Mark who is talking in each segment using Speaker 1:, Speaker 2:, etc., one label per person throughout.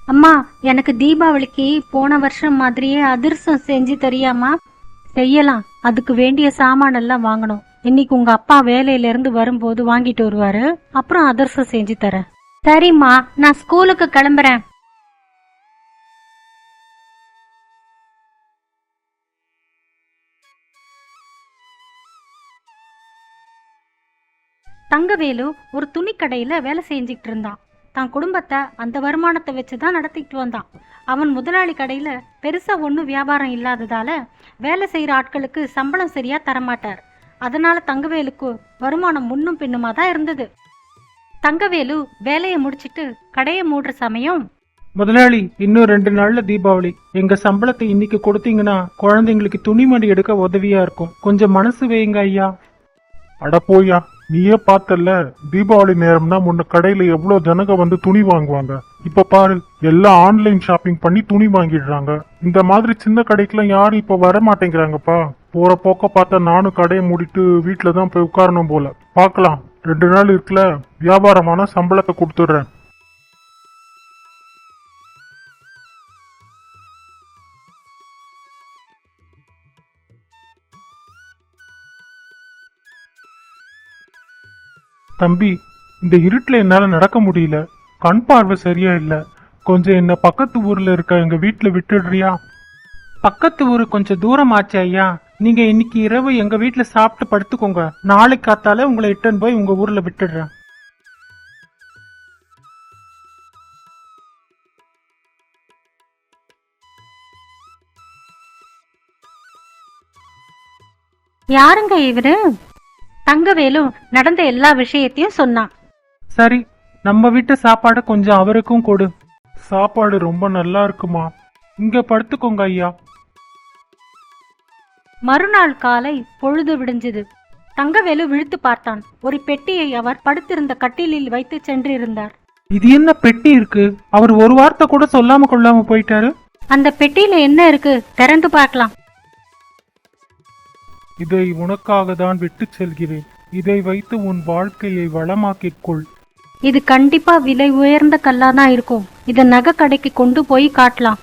Speaker 1: அம்மா, எனக்கு தீபாவளிக்கு போன வருஷம் மாதிரியே அதிரசம் செஞ்சு தரியாமா? செய்யலாம். அதுக்கு வேண்டிய சாமான் எல்லாம் வாங்கணும். இன்னைக்கு உங்க அப்பா வேலையில இருந்து வரும்போது வாங்கிட்டு வருவாரு. அப்புறம் அதிரசம் செஞ்சு தரேன். சரிம்மா, நான் ஸ்கூலுக்கு கிளம்புறேன். தங்கவேலு ஒரு துணி கடையில வேலை செஞ்சுக்கிட்டு இருந்தான். தான் குடும்பத்தை அந்த வருமானத்தை வச்சுதான் நடத்திக்கிட்டு வந்தான். அவன் முதலாளி கடையில பெருசா ஒன்றும் வியாபாரம் இல்லாததால வேலை செய்யற ஆட்களுக்கு சம்பளம் சரியா தரமாட்டார். அதனால தங்கவேலுக்கு வருமானம் முன்னும் பின்னுமா தான் இருந்தது. தங்கவேலு வேலையை முடிச்சிட்டு கடையை மூடுற சமயம்,
Speaker 2: முதலாளி, இன்னும் 2 நாள்ல தீபாவளி. எங்க சம்பளத்தை இன்னைக்கு கொடுத்தீங்கன்னா குழந்தைங்களுக்கு துணிமணி எடுக்க உதவியா இருக்கும். கொஞ்சம் மனசு வைங்க ஐயா.
Speaker 3: அட போயா, நீயே பார்த்தல்ல, தீபாவளி நேரம்னா முன்ன கடையில எவ்வளவு ஜனங்க வந்து துணி வாங்குவாங்க. இப்ப பாரு, எல்லாம் ஆன்லைன் ஷாப்பிங் பண்ணி துணி வாங்கிடுறாங்க. இந்த மாதிரி சின்ன கடைக்கெல்லாம் யாரும் இப்ப வர மாட்டேங்கிறாங்கப்பா. போற போக்க பார்த்தா நானும் கடையை மூடிட்டு வீட்டுலதான் போய் உட்காரணும் போல. பாக்கலாம், 2 நாள் இருக்குல்ல, வியாபாரமான சம்பளத்தை கொடுத்துடுறேன். தம்பி, இந்த இருட்டுல என்னால நடக்க முடியல. கண் பார்வை சரியா இல்ல. கொஞ்சம் என்ன பக்கத்து ஊர்ல இருக்க எங்க வீட்டுல விட்டுடுறியா?
Speaker 2: பக்கத்து ஊரு கொஞ்சம் தூரம் ஆச்சு ஐயா. நீங்க இன்னைக்கு இரவு எங்க வீட்டுல சாப்பிட்டு படுத்துக்கோங்க. நாளைக்கு காத்தால உங்களை இட்டுன்னு போய் உங்க ஊர்ல விட்டுடுறேன்.
Speaker 1: யாருங்க இவரு? தங்கவேலு நடந்த எல்லா விஷயத்தையும் சொன்னான்.
Speaker 2: சரி, நம்ம வீட்டு சாப்பாடு கொஞ்சம் அவருக்கும் கொடு.
Speaker 3: சாப்பாடு ரொம்ப நல்லா இருக்குமா?
Speaker 2: இங்க படுத்துக்கோங்க ஐயா.
Speaker 1: மறுநாள் காலை பொழுது விடிஞ்சது. தங்கவேலு விழித்து பார்த்தான். ஒரு பெட்டியை அவர் படுத்திருந்த கட்டிலில் வைத்து சென்றிருந்தார்.
Speaker 2: இது என்ன பெட்டி இருக்கு? அவர் ஒரு வார்த்தை கூட சொல்லாம கொள்ளாம போயிட்டாரு.
Speaker 1: அந்த பெட்டியில என்ன இருக்கு? திறந்து பார்க்கலாம்.
Speaker 3: இதை உனக்காக தான் விட்டு செல்கிறேன். இதை வைத்து உன் வாழ்க்கையை வளமாக்கிக் கொள்.
Speaker 1: இது கண்டிப்பா விலை உயர்ந்த கல்லா தான் இருக்கும். இத நகை கடைக்கு கொண்டு போய் காட்டலாம்.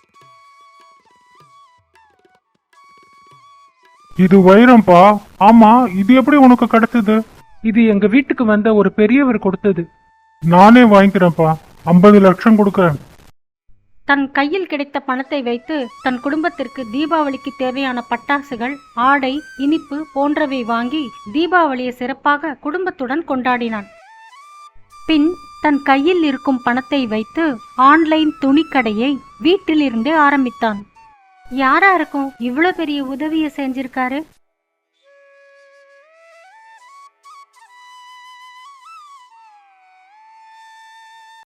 Speaker 3: இது வைரம்பா. ஆமா, இது எப்படி உனக்கு கிடைச்சது?
Speaker 2: இது எங்க வீட்டுக்கு வந்த ஒரு பெரியவர் கொடுத்தது.
Speaker 3: நானே வாங்கிக்கிறேன்ப்பா. 50 லட்சம் கொடுக்கறேன்.
Speaker 1: தன் கையில் கிடைத்த பணத்தை வைத்து தன் குடும்பத்திற்கு தீபாவளிக்கு தேவையான பட்டாசுகள், ஆடை, இனிப்பு போன்றவை வாங்கி தீபாவளியை சிறப்பாக குடும்பத்துடன் கொண்டாடினான். பின் தன் கையில் இருக்கும் பணத்தை வைத்து ஆன்லைன் துணிக்கடையை வீட்டில் இருந்தே ஆரம்பித்தான். யாரா இருக்கும் இவ்வளவு பெரிய உதவியை செஞ்சிருக்காரு?